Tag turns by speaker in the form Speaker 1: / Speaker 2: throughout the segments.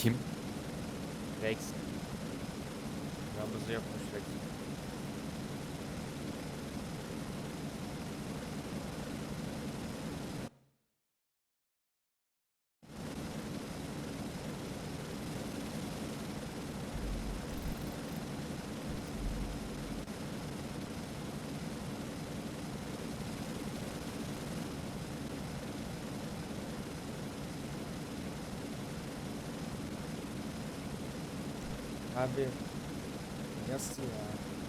Speaker 1: Kim?
Speaker 2: Rex. Nabızı yapmış Rex. Abi nasıl ya?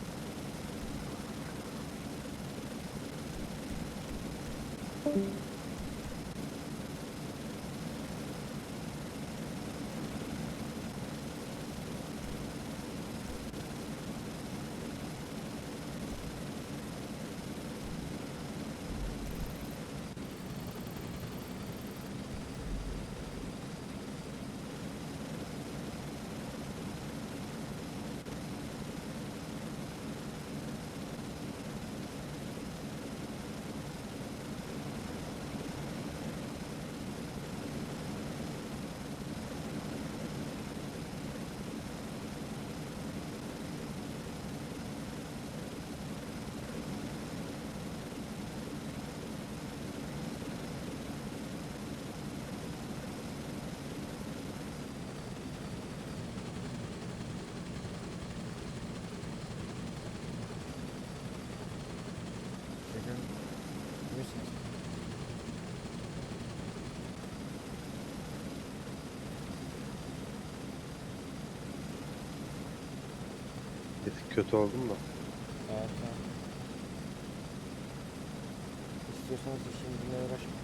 Speaker 2: Dedim, biliyorsunuz.
Speaker 3: Bir tık kötü oldum da.
Speaker 2: Evet, evet. İstiyorsanız işimle uğraşmayın.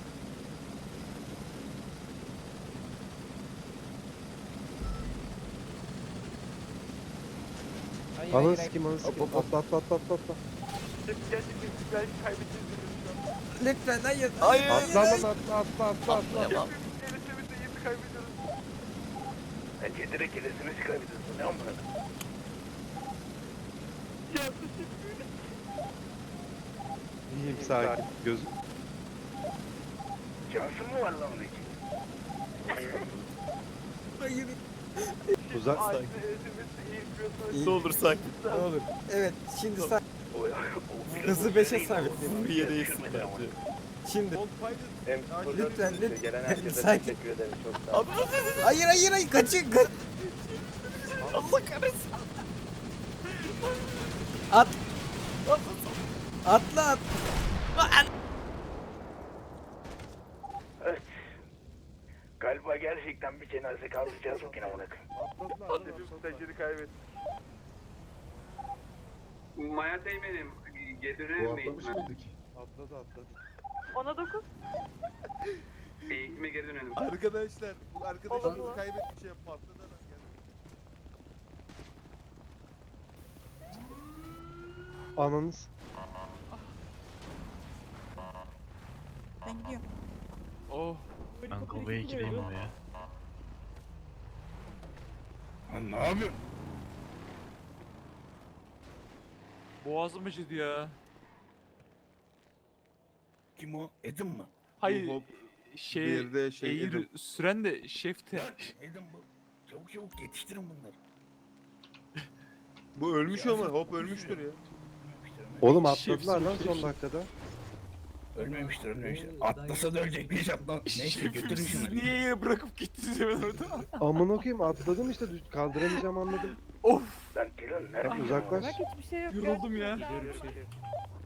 Speaker 2: Hayır,
Speaker 3: Ananı
Speaker 2: hayır,
Speaker 3: sikeyim, ananı
Speaker 2: hayır.
Speaker 3: sikeyim. Atla atla atla atla atla.
Speaker 4: Gerçekten belki kaybedeceğiz şu an.
Speaker 2: Lütfen hayır.
Speaker 3: Atla lan atla atla atla atla.
Speaker 4: Gelişimizde yeni kaybediyoruz.
Speaker 5: Bence direkt gelesimizi kaybediyorsun. Ne amına?
Speaker 4: Ya teşekkür ederim.
Speaker 3: İyiyim, sakin. Göz.
Speaker 5: Şansın mı var lan onun için?
Speaker 2: Hayır.
Speaker 3: Uzak.
Speaker 4: Aile eğitimizde iyi yapıyorsanız.
Speaker 1: Ne olur sakin.
Speaker 2: Ne olur. Evet şimdi sen
Speaker 5: O
Speaker 2: hızı 5'e sabitledim.
Speaker 1: Bir yere değilsin bence.
Speaker 2: Şimdi
Speaker 5: Hem
Speaker 2: lütfen
Speaker 5: gelen herkese
Speaker 2: sakin.
Speaker 5: teşekkür ederim. Çok sağ olun.
Speaker 2: Hayır hayır hayır kaçın kaç.
Speaker 1: Allah kahretsin.
Speaker 2: At. Atla at.
Speaker 5: Evet. Galiba gerçekten bir cenaze kaldıracağız bugün amına koyayım.
Speaker 4: Hepimiz stajyeri kaybettik.
Speaker 6: Maya Teğmen'im, geri döner mi eğitime?
Speaker 3: Atladı atladı.
Speaker 4: 10'a 9.
Speaker 6: Eğitime geri dönelim.
Speaker 7: Arkadaşlar, bu
Speaker 4: Olur
Speaker 7: arkadaşımızı
Speaker 4: mu?
Speaker 7: kaybetmiş ya, patladı adam geldi.
Speaker 3: Ananız.
Speaker 8: Ben gidiyorum.
Speaker 1: Oh. Ben kovaya gireyim oraya.
Speaker 5: Lan ne yapıyorsun?
Speaker 7: Boğazım acıdı ya.
Speaker 5: Kim o? Edim mi?
Speaker 7: Hayır,
Speaker 1: Hop,
Speaker 7: bir de şey Edim.
Speaker 1: süren de şefti.
Speaker 5: Edim bu. Çabuk çabuk yetiştirin bunları.
Speaker 7: Bu ölmüş ama hop ölmüştür ya.
Speaker 3: Oğlum
Speaker 1: Şefsin,
Speaker 3: atladılar lan son
Speaker 1: şefsin.
Speaker 3: dakikada.
Speaker 5: Ölmemiştir, ölmemiştir. Atlasa da ölecek bir lan. Neyse götürün
Speaker 1: Siz
Speaker 5: şunu.
Speaker 1: niye yere bırakıp gittiniz hemen orada?
Speaker 3: Amına koyayım, atladım işte, kaldıramayacağım anladım.
Speaker 1: Of.
Speaker 5: Lan Dylan nerede?
Speaker 3: Uzaklaş.
Speaker 8: Bak hiçbir şey yok.
Speaker 1: Yoruldum ya.
Speaker 8: Gördüm.